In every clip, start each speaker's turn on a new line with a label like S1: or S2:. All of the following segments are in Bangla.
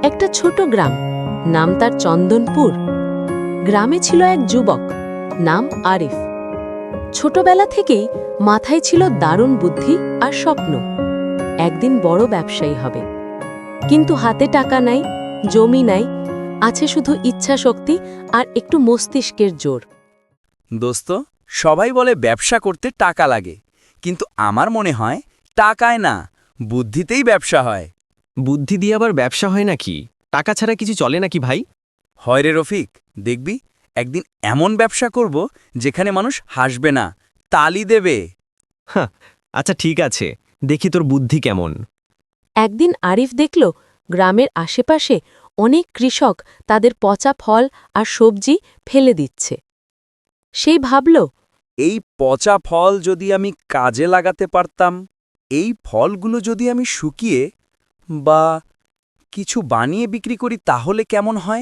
S1: একটা ছোট গ্রাম, নাম তার চন্দনপুর। গ্রামে ছিল এক যুবক, নাম আরিফ। ছোটবেলা থেকেই মাথায় ছিল দারুণ বুদ্ধি আর স্বপ্ন, একদিন বড় ব্যবসায়ী হবে। কিন্তু হাতে টাকা নাই, জমি নাই, আছে শুধু ইচ্ছা শক্তি আর একটু মস্তিষ্কের জোর।
S2: দোস্ত, সবাই বলে ব্যবসা করতে টাকা লাগে, কিন্তু আমার মনে হয় টাকায় না, বুদ্ধিতেই ব্যবসা হয়।
S3: বুদ্ধি দিয়ে আবার ব্যবসা হয় নাকি? টাকা ছাড়া কিছু চলে নাকি ভাই?
S2: হয় রে রফিক, দেখবি একদিন এমন ব্যবসা করব যেখানে মানুষ হাসবে না, তালি দেবে।
S3: হ্যাঁ, আচ্ছা ঠিক আছে, দেখি তোর বুদ্ধি কেমন।
S1: একদিন আরিফ দেখল গ্রামের আশেপাশে অনেক কৃষক তাদের পচা ফল আর সবজি ফেলে দিচ্ছে। সেই ভাবল,
S2: এই পচা ফল যদি আমি কাজে লাগাতে পারতাম, এই ফলগুলো যদি আমি শুকিয়ে বা কিছু বানিয়ে বিক্রি করি তাহলে কেমন হয়?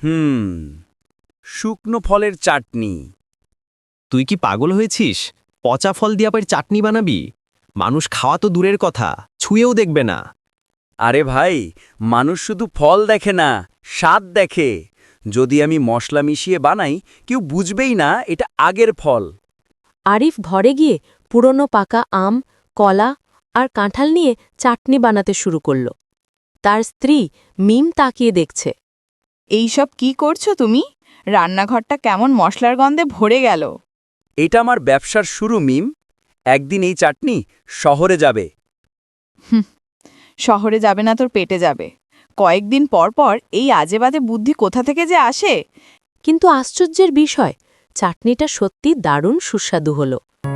S2: শুকনো ফলের চাটনি।
S3: তুই কি পাগল হয়েছিস? পচা ফল দিয়ে আবার চাটনি বানাবি? মানুষ খাওয়া তো দূরের কথা, ছুঁয়েও দেখবে না।
S2: আরে ভাই, মানুষ শুধু ফল দেখে না, স্বাদ দেখে। যদি আমি মশলা মিশিয়ে বানাই, কেউ বুঝবেই না এটা আগের ফল।
S1: আরিফ ঘরে গিয়ে পুরনো পাকা আম, কলা আর কাঁঠাল নিয়ে চাটনি বানাতে শুরু করল। তার স্ত্রী মিম তাকিয়ে দেখছে।
S4: এইসব কি করছো তুমি? রান্নাঘরটা কেমন মশলার গন্ধে ভরে গেল।
S2: এটা আমার ব্যবসার শুরু মিম। একদিন এই চাটনি শহরে যাবে।
S4: শহরে যাবে না, তোর পেটে যাবে। কয়েকদিন পর পর এই আজেবাজে বুদ্ধি কোথা থেকে যে আসে।
S1: কিন্তু আশ্চর্যের বিষয়, চাটনিটা সত্যি দারুণ সুস্বাদু হল।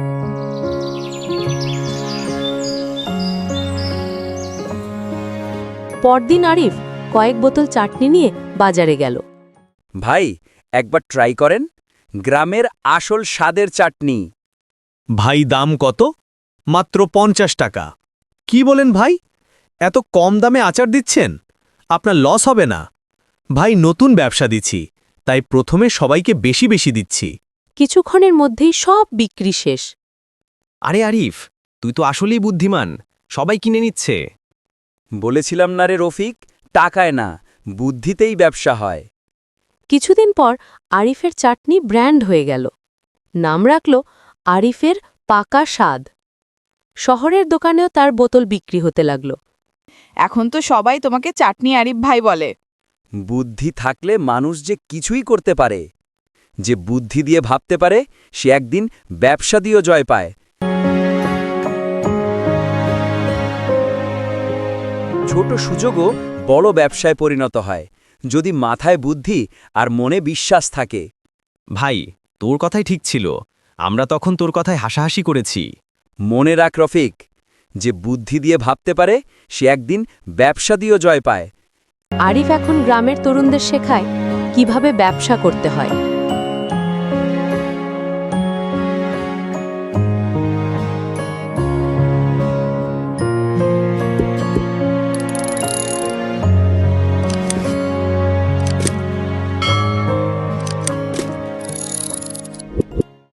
S1: পরদিন আরিফ কয়েক বোতল চাটনি নিয়ে বাজারে গেল।
S2: ভাই, একবার ট্রাই করেন, গ্রামের আসল স্বাদের চাটনি।
S5: ভাই দাম কত? মাত্র 50 টাকা। কি বলেন ভাই? এত কম দামে আচার দিচ্ছেন? আপনার লস হবে না? ভাই, নতুন ব্যবসা দিচ্ছি, তাই প্রথমে সবাইকে বেশি বেশি দিচ্ছি।
S1: কিছুক্ষণের মধ্যেই সব বিক্রি শেষ।
S3: আরে আরিফ, তুই তো আসলেই বুদ্ধিমান, সবাই কিনে নিচ্ছে।
S2: বলেছিলাম না রে রফিক, টাকায় না, বুদ্ধিতেই ব্যবসা হয়।
S1: কিছুদিন পর আরিফের চাটনি ব্র্যান্ড হয়ে গেল। নাম রাখল আরিফের পাকা স্বাদ। শহরের দোকানেও তার বোতল বিক্রি হতে লাগল।
S4: এখন তো সবাই তোমাকে চাটনি আরিফ ভাই বলে।
S2: বুদ্ধি থাকলে মানুষ যে কিছুই করতে পারে। যে বুদ্ধি দিয়ে ভাবতে পারে, সে একদিন ব্যবসা দিয়েও জয় পায়। ছোট সুযোগও বড় ব্যবসায় পরিণত হয়, যদি মাথায় বুদ্ধি আর মনে বিশ্বাস থাকে।
S3: ভাই, তোর কথাই ঠিক ছিল, আমরা তখন তোর কথায় হাসাহাসি করেছি।
S2: মনে রাখ রফিক, যে বুদ্ধি দিয়ে ভাবতে পারে, সে একদিন ব্যবসা দিয়েও জয় পায়।
S1: আরিফ এখন গ্রামের তরুণদের শেখায় কিভাবে ব্যবসা করতে হয়।